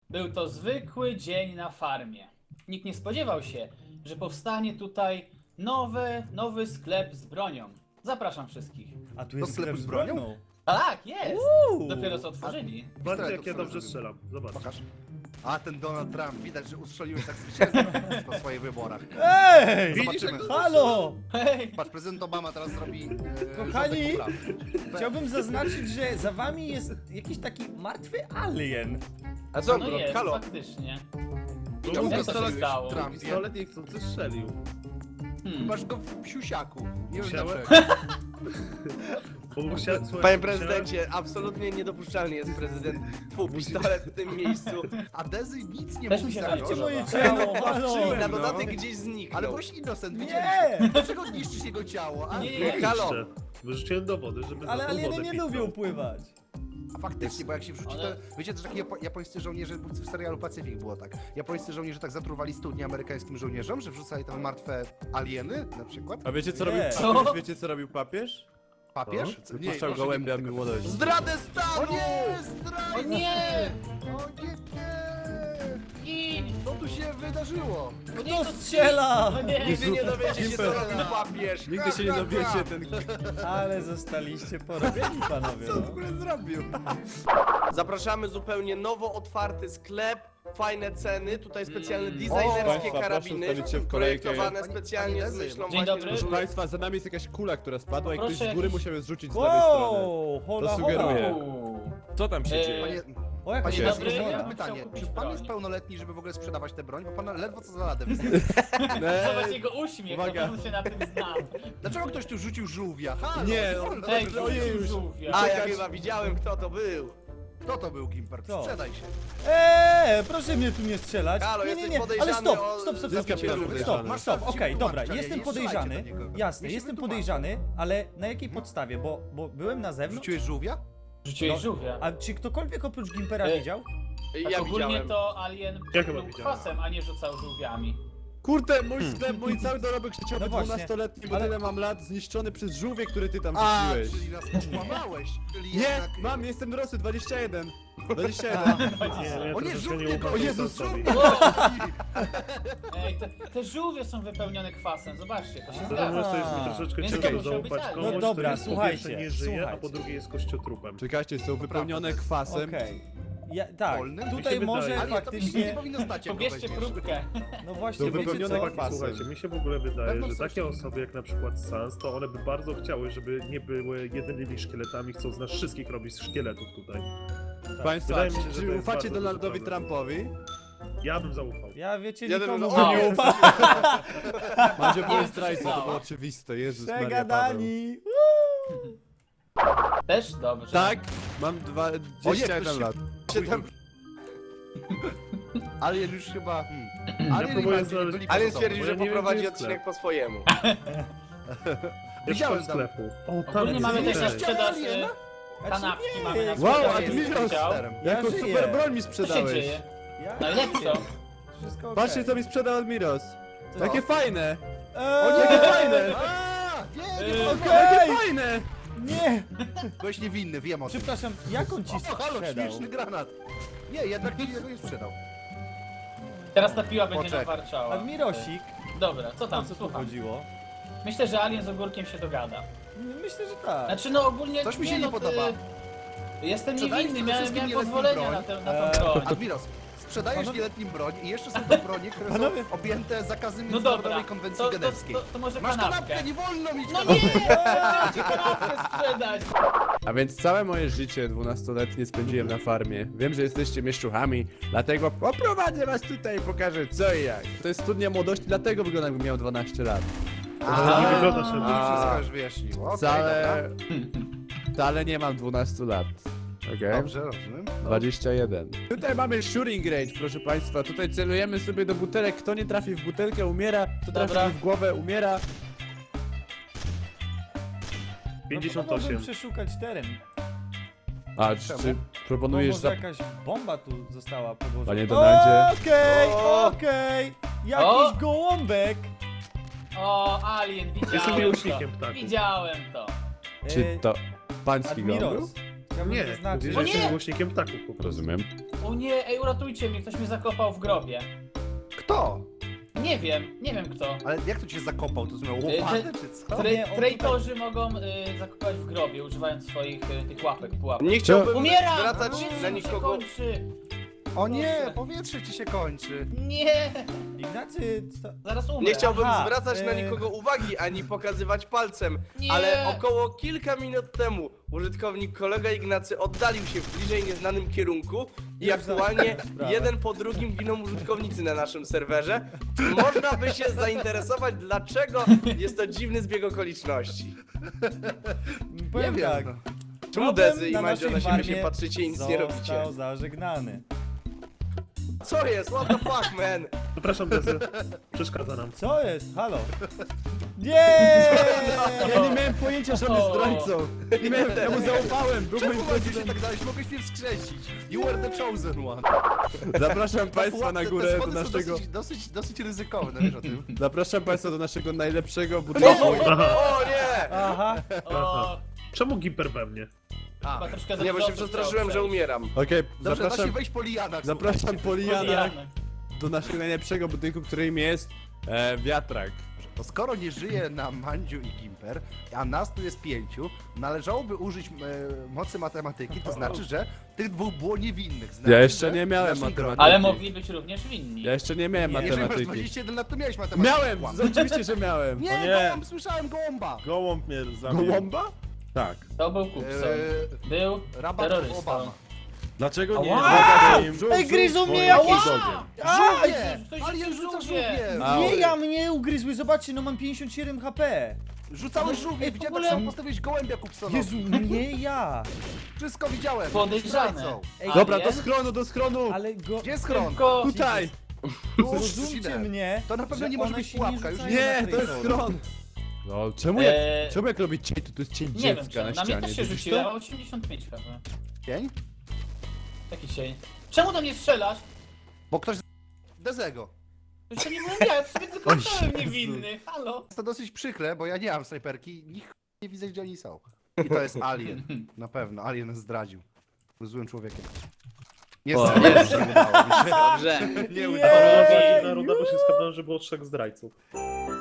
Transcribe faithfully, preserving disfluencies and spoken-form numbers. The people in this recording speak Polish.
Był to zwykły dzień na farmie. Nikt nie spodziewał się, że powstanie tutaj nowy, nowy sklep z bronią. Zapraszam wszystkich. A tu jest Do sklepu sklep z bronią? bronią? Tak, jest! Uuu. Dopiero co otworzyli. Patrzcie jak Pistoletów ja sobie dobrze zrobimy. strzelam. Zobacz. Pokaż. A ten Donald Trump, widać, że ustrzeliłeś tak zwycięstwo w swoich wyborach. Ej! Zobaczymy. Halo! Hej! Patrz, prezydent Obama teraz zrobi... E, Kochani, rządek poprawny. Chciałbym zaznaczyć, że za wami jest jakiś taki martwy alien. A co, No jest, halo? faktycznie. Czemu Jak to się pistolet stało? Trumpie? Pistolet niechcący strzelił. Hmm. Masz go w psiusiaku. Nie wiem Musiałem- dlaczego. Bo musia... Słuchaj, Panie musiałem- prezydencie, absolutnie niedopuszczalny jest prezydent. Twój pistolet w tym miejscu. A Dezy nic nie Też mówi mi się serio. wydaje, Moje że- ciało, halo! Na no. dodatek gdzieś zniknął. Ale byłeś innocent, Nie! widzieliśmy. Dlaczego niszczysz jego ciało? A, Nie, Nie, nie, halo. halo. Wyrzuciłem dowody, żeby Ale za tą alieny wodę nie pisał. lubią pływać. a faktycznie, bo jak się wrzuci, Ale- to... Wiecie, że taki japo japońscy żołnierze, bo w serialu Pacyfik było tak. Japońscy żołnierze tak zatruwali studnie amerykańskim żołnierzom, że wrzucali tam martwe alieny, na przykład. A wiecie co Nie. robił Co? papież? Wiecie co robił papież? Papież? Co? Puszczał proszę, gołębia nie mów tego. młodości. Zdradę O stanu! nie! Zdrajca! O nie! O nie, nie! Gin! Co tu się wydarzyło? O nie, Kto to strzela? No nie! Nigdy nie dowiecie się, co Gimper. robił papież. Nigdy się nie dowiecie, ten... Ale zostaliście porobieni, panowie. Co w No. ogóle zrobił? Zapraszamy zupełnie nowo otwarty sklep, fajne ceny, tutaj specjalne Mm. designerskie Państwa, proszę karabiny, ustawić się w kolejkę. projektowane Pani- specjalnie pani z Dezy, myślą Dzień właśnie, dobry. Proszę żeby... państwa, za nami jest jakaś kula, która spadła i ktoś Proszę z góry jakiś- musiał ją zrzucić z lewej strony. Wow, hola, To hola. sugeruję. Uuu. Co tam się Eee, dzieje? Panie, O, jaka panie się Dzień Dezy, dobry, ja ja mam bym pytanie. chciał kupić Czy pan broń. jest pełnoletni, żeby w ogóle sprzedawać tę broń? Bo pan ledwo co za ladę występuje. Zobacz Eee, jego uśmiech, uwaga. to on się na tym zna. Dlaczego ktoś tu rzucił żółwia? Halo, Nie, wolno, on- Ej, dobrze. ojej, już. żółwia. A, ja Czekać. chyba widziałem, kto to był. Kto to był Gimper? Kto? Sprzedaj się. Eee, proszę mnie tu nie strzelać. Halo, nie, nie, jesteś nie. Ale podejrzany stop, o stop, stop, zyskam stop, się stop, podejrzany. stop, Masz stop, rację, okej, się dobra, wytłumaczyć, jestem ale nie strzelajcie podejrzany, do niego. jasne, Ja się jestem wytłumaczę. podejrzany, ale na jakiej podstawie, bo, bo byłem na zewnątrz, Rzuciłeś żółwia? Rzuciłeś No, żółwia. a czy ktokolwiek oprócz Gimpera Ej. widział? Tak Ja ogólnie widziałem. to Alien Ja chyba był widziałem. kwasem, a nie rzucał żółwiami. Kurde, mój sklep, mój cały dorobek życiowy No właśnie, dwunastoletni, bo ale- tyle mam lat, zniszczony przez żółwie, które ty tam A, wrzuciłeś. czyli nas okłamałeś. Czyli Nie, jednak... mam, jestem dorosły, dwadzieścia jeden. dwadzieścia jeden. Nie, ja O nie, troszeczkę żółwie nie ufam go- tej Jezus, osobie. Ej, te, te żółwie są wypełnione kwasem, zobaczcie, to się Za zgadza. to jest mi troszeczkę Więc to ciężko musiał być zaufać Alien. komuś, No dobra, kto jest po słuchajcie, pierwsze nie żyje, a słuchajcie. po drugie jest kościotrupem. Czekajcie, są wypełnione kwasem. Okej. Ja, tak, Wolnym? Mi tutaj się może wydaje. Ale to nie faktycznie, powinno stać, jak go Pobierzcie weźmiesz. próbkę. no właśnie, To wiecie wypełnione co? kwasem. Chłopaki, słuchajcie, mi się w ogóle wydaje, Pewno że coś takie tam- osoby jak na przykład Sans, to one by bardzo chciały, żeby nie były jedynymi szkieletami, chcą z nas wszystkich robić z szkieletów tutaj. Państwa, Wydaje mi się, że czy to jest ufacie bardzo duży Donaldowi problem. Trumpowi? Ja bym zaufał. Ja wiecie, Ja nikomu bym- nie O! ufam. Mandzio byłem co zdrajcą, to stało. było oczywiste, Jezus Maria Paweł. Przegadani. Też dobrze. Tak, mam dwadzieścia jeden ktoś lat. Siedem... Alien już chyba... Hmm. Ja Alien i próbuję Mandzio znaleźć- byli Alien poza sobą. stwierdził, bo że ja nie wiem, poprowadzi gdzie jest odcinek sklep. po swojemu. Widziałem Widziałem tam. sklepu. O, tam Ogólnie jest mamy też na tutaj. sprzedaż Aliena? e, kanapki, nie, mamy na Wow, sprzedaż. Admiros! Chciał. Ja Jako żyję. super broń mi Co się sprzedałeś. dzieje? Ja No i jak co? Wszystko okej. Patrzcie co mi sprzedał Admiros. Co? Jakie fajne! Eee, O, jakie fajne! A, nie, nie, Yy, nie, Okej! Jakie fajne! Nie! byłeś niewinny, wiem o tym. Przepraszam, jak on ci O, halo, sprzedał? śmieszny granat. Nie, jednak ci tego nie sprzedał. Teraz ta piła będzie Poczekaj. nawarczała. Admirosik, Dobra, co o tam, co tu słucham. chodziło? Myślę, że Alien z ogórkiem się dogada. Myślę, że tak. Znaczy no ogólnie... Coś mi się nie no, podoba. y, Jestem Sprzedajesz niewinny, przede miałem, wszystkim miałem nieletnim pozwolenia broń. na, tę, na Eee, tą broń. Admiros, sprzedajesz Panowie- nieletnim broń i jeszcze są to bronie, które Panowie- są objęte zakazem No Międzynarodowej dobra, Konwencji to, to, Genewskiej. to, to może Masz kanapkę. kanapkę, nie wolno mieć No kanapki! nie! Chciałem ci kanapkę sprzedać! A więc całe moje życie dwunastoletnie spędziłem na farmie. Wiem, że jesteście mieszczuchami, dlatego oprowadzę was tutaj i pokażę co i jak. To jest studnia młodości, dlatego wyglądam jakbym miał dwanaście lat. Ale nie wyglądasz To na wszystko już wyjaśniło. Okej, Wcale... dobra. Wcale nie mam dwunastu lat. Okej? Dobrze, rozumiem. dwadzieścia jeden. Tutaj mamy shooting range, proszę państwa. Tutaj celujemy sobie do butelek. Kto nie trafi w butelkę, umiera. Kto trafi Dobra. w głowę, umiera. pięćdziesiąt No, osiem. mogłem przeszukać teren. A, czy, czy Bo proponujesz może za... jakaś bomba tu została podłożona. Panie Donaldzie. Okej, O! okej. Jakiś O! gołąbek. O, Alien, widziałem Jestem to. miłośnikiem ptaków. Widziałem to. Czy to pański gołąb? Admiros. Chciałbym Nie, zaznaczyć, mówię, O że nie! jestem miłośnikiem ptaków po prostu. Rozumiem. O O nie, ej, uratujcie mnie, ktoś mnie zakopał w grobie. Kto? Nie wiem, nie wiem kto. Ale jak to cię zakopał? To miał Y, łopatę, czy co? Tra nie, on traitorzy mogą y, zakopać w grobie, używając swoich y, tych łapek, pułapek. Nie chciałbym Umieram! zwracać Powietrze na mi się nikogo... kończy! O nie, powietrze ci się kończy. Nie! Ignacy, co? Zaraz umrę. Nie chciałbym Aha, zwracać na y- nikogo uwagi, ani pokazywać palcem, Nie. ale około kilka minut temu użytkownik kolega Ignacy oddalił się w bliżej nieznanym kierunku i Już aktualnie za- sprawę. jeden po drugim giną użytkownicy na naszym serwerze. Można by się zainteresować, dlaczego jest to dziwny zbieg okoliczności. Powiem wiem, tak. no. Czemu problem Dezy i na Mandzio na naszej siebie się farmie patrzycie i nic nie robicie? Został zażegnany. Co jest? What the fuck, man? Przepraszam, Dezy. Przeszkadza nam. Co jest? Halo? Nie! Ja nie miałem pojęcia, że on jest zdrajcą. Nie miałem, ja mu zaufałem, był moim Czemu Mandziu się prezydentem. tak dałeś? Mogłeś mnie wskrzesić. You were the chosen one. Zapraszam państwa Pułap- na te- górę te do schody są naszego... Dosyć, dosyć, dosyć ryzykowne, wiesz o tym. Zapraszam państwa do naszego najlepszego budynku. O nie! Aha. O, Czemu Gimper we mnie? A, chyba troszkę za Nie, bo się dużo przestraszyłem, że chciał umieram. Okej, dobrze, da się zapraszam, wejść po lianach. zapraszam Poliana przejść. do naszego najlepszego budynku, którym jest e, wiatrak. To skoro nie żyje na Mandziu i Gimper, a nas tu jest pięciu, należałoby użyć e, mocy matematyki, to znaczy, że tych dwóch było niewinnych. Znaczy, Ja jeszcze że nie miałem naszym matematyki. gronie- Ale mogli być również winni. Ja jeszcze nie miałem Nie. Jeżeli masz matematyki. dwadzieścia jeden lat, to miałeś matematykę. Miałem! Kłam. Oczywiście, że miałem. Nie, O nie. gołąb, słyszałem gołąba. Gołąb mnie zabił. Gołąba? Tak. To był Kupson. Eee, Był Rabat terrorystą. Obama. Dlaczego nie Ała! zgadzacie im Ej, gryzą mnie swoim jakieś- bulldogiem? A, Żółwie! ktoś Alien rzucił rzuca żółwie. żółwie! A, nie, ja mnie ugryzły, zobaczcie, no mam pięćdziesiąt siedem H P. Rzucałeś Ej, żółwie, w widziałem ogóle- tak samo postawiłeś gołębia Kupsonowi. Jezu, nie ja. Wszystko widziałem. Podejrzane. Zdrajcą. Ej, Dobra, Alien? do schronu, do schronu! Ale go... Gdzie jest schron? Tylko... Tutaj! Zrozumcie mnie, To na pewno że nie może one być się pułapka, już rzucają Nie, na to jest traitora. schron! No, czemu jak, Eee, czemu jak robić cień, to to jest cień Nie wiem, dziecka czemu. na Na mnie ścianie. też się Widzisz rzuciło, to? osiemdziesiąt pięć chyba. Cień? Jaki cień? Czemu do mnie strzelasz? Bo ktoś z Dezego. To jeszcze nie byłem ja, ja sobie tylko stałem niewinny. Halo? Jest to dosyć przykre, bo ja nie mam snajperki, nikt nie widzę, gdzie oni są. I to jest Alien. Na pewno, Alien nas zdradził. Był złym człowiekiem. Nie, O, nie, jest. nie udało mi się. Dobrze. Nie Nie. udało To była mi się. dziwna runda, bo się skapnąłem, że było trzech zdrajców.